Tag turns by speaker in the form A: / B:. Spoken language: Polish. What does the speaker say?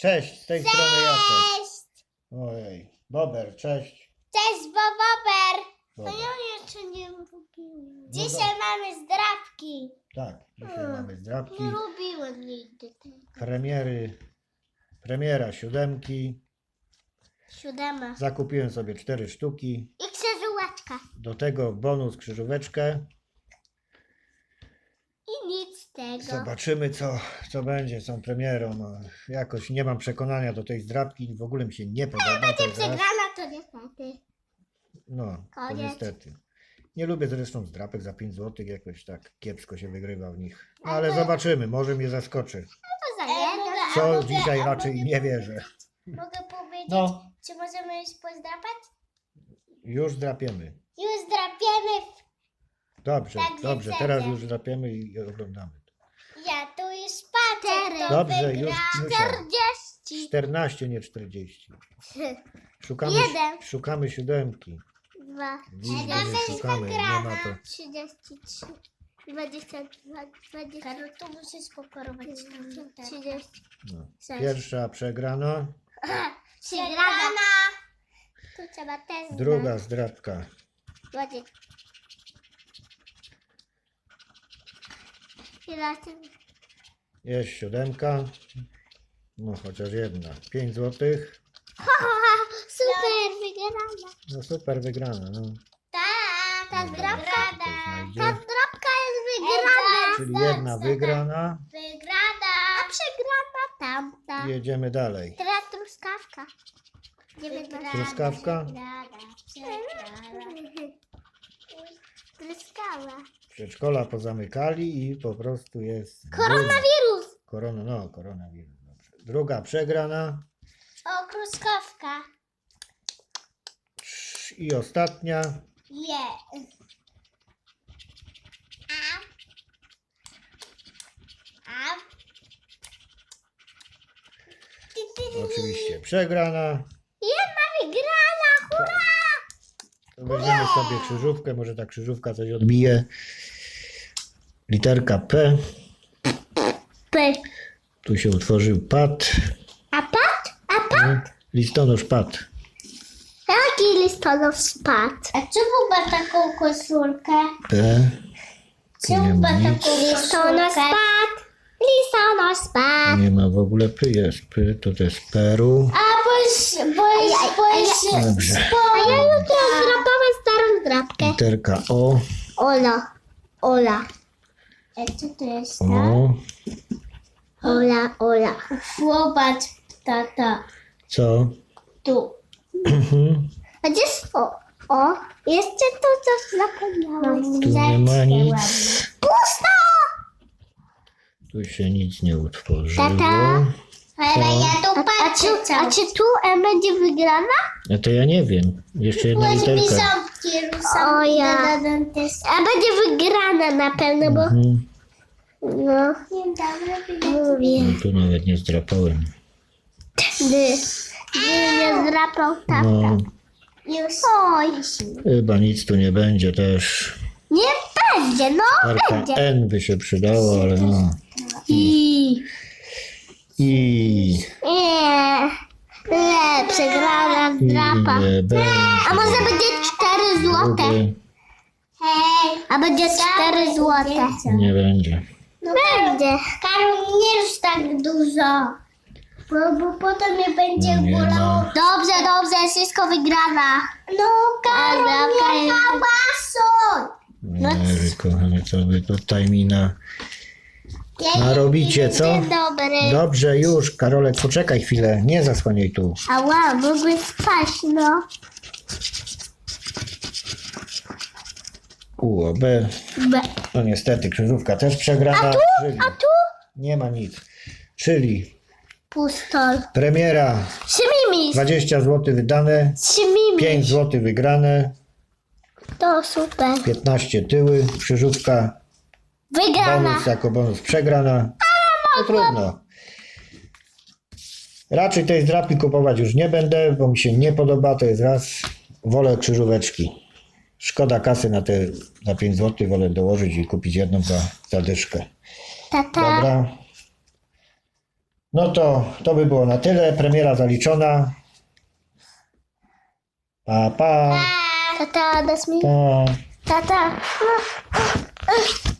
A: Cześć, z tej strony Jacek.
B: Cześć!
A: Ojej, Bober, cześć.
B: Cześć, Bober! No
A: Bober.
B: ja jeszcze nie lubiłem.
A: No
B: Dzisiaj mamy zdrabki.
A: Tak, dzisiaj mamy zdrabki,
B: Nie lubiłem nigdy tego.
A: premiera siódemki.
B: 7.
A: Zakupiłem sobie 4 sztuki.
B: I krzyżóweczka.
A: Do tego bonus krzyżóweczkę.
B: I nic z tego.
A: Zobaczymy co będzie z tą premierą. No, jakoś nie mam przekonania do tej zdrabki. W ogóle mi się nie podoba. To jest raz.
B: Przegrana to niestety.
A: No, to
B: Koniec.
A: niestety. Nie lubię zresztą zdrapek za 5 zł. Jakoś tak kiepsko się wygrywa w nich. No, ale zobaczymy, może mnie zaskoczy.
B: To za jedno.
A: Co dzisiaj raczej nie wierzę.
B: Mogę powiedzieć,
A: No,
B: czy możemy już pozdrapać?
A: już drapiemy.
B: Już zdrapiemy.
A: Dobrze,
B: Tak,
A: dobrze,
B: więc
A: teraz
B: będę.
A: już drapiemy i oglądamy.
B: Ja tu już patrzę, kto
A: Dobrze,
B: wygra.
A: już
B: 40.
A: 14, nie 40. Szukamy siódemki.
B: 2.
A: Widzę, że szukamy, nie ma to.
B: 33. 22. 20. Karol, to musisz pokorować. 30.
A: No.
B: Sześć.
A: Pierwsza przegrana,
B: Przegrana. Tu trzeba też
A: druga zdrapka.
B: znać. I razem.
A: Jest siódemka. No chociaż jedna. 5 zł.
B: Super, wygrana.
A: No super, wygrana. No.
B: Ta
A: Dobra,
B: zdrabka.
A: to znajdzie.
B: Ta zdrabka jest wygrana.
A: Czyli jedna wygrana.
B: Wygrana. A przegrana tamta.
A: Jedziemy dalej.
B: Teraz truskawka.
A: Truskawka?
B: Truskawa.
A: Przedszkola pozamykali i po prostu jest...
B: Koronawirus.
A: Koronawirus. Dobrze. Druga przegrana.
B: O, truskawka.
A: I ostatnia.
B: Je. A.
A: Oczywiście przegrana.
B: Jedna wygrana, hurra!
A: To weźmiemy sobie krzyżówkę. Może ta krzyżówka coś odbije. Literka P.
B: P.
A: Tu się utworzył pad.
B: A pat? A pat?
A: Listonosz pad.
B: Jaki listonosz spadł? A czemu ma taką koszulkę?
A: P. Tu nie ma nic.
B: Listonosz spadł. Listonosz spadł.
A: Nie ma w ogóle P. Jest P. To jest Peru.
B: A
A: Dobrze.
B: A ja jutro zdrapałem starą zdrapkę.
A: Literka O.
B: Ola. Co to jest?
A: O.
B: Ola. Zobacz, tata.
A: Co?
B: Tu. A gdzie jest o? Jeszcze tu coś zapomniałam.
A: Tu nie ma nic.
B: Pusto!
A: Tu się nic nie utworzyło.
B: Tata. Ale ja tu patrzę. A czy tu będzie wygrana?
A: No to ja nie wiem. Jeszcze jedna literka.
B: O ja. A będzie wygrana na pewno, bo no. Mówię.
A: No, tu nawet nie zdrapałem.
B: Gdy nie zdrapał tata.
A: No,
B: Już. Oj.
A: chyba nic tu nie będzie też.
B: Nie będzie, no
A: Literka
B: będzie.
A: N by się przydało, ale no.
B: I.
A: I
B: Przegrana zdrapa.
A: nie będzie.
B: A może będzie 4 złote?
A: Drugie
B: A będzie 4 złote?
A: nie będzie.
B: Będzie. Karol, nie już tak dużo. Bo potem mnie będzie
A: No nie
B: bolało.
A: ma.
B: Dobrze, wszystko wygrana. No Karol, nie hałasuj.
A: Ej, kochany, co wy tutaj mi narobicie, co?
B: Dzień dobry.
A: Dobrze, już, Karolek, poczekaj chwilę, nie zasłaniaj tu.
B: Ała, mogły spaść, no.
A: U, B. No niestety, krzyżówka też przegrana. Czyli
B: A tu?
A: nie ma nic. Czyli
B: Pustol.
A: premiera,
B: Trzymimis.
A: 20 zł wydane, 5 zł wygrane,
B: To super.
A: 15 tyły, krzyżówka,
B: Wygrana.
A: bonus jako bonus przegrana. No trudno. Raczej tej zdrapki kupować już nie będę, bo mi się nie podoba, to jest raz. Wolę krzyżóweczki. Szkoda kasy na te za 5 zł, wolę dołożyć i kupić jedną za dyszkę.
B: Tata.
A: Dobra. No to by było na tyle. Premiera zaliczona. Pa, pa.
B: Tata, dasz mi?
A: Pa.
B: Tata.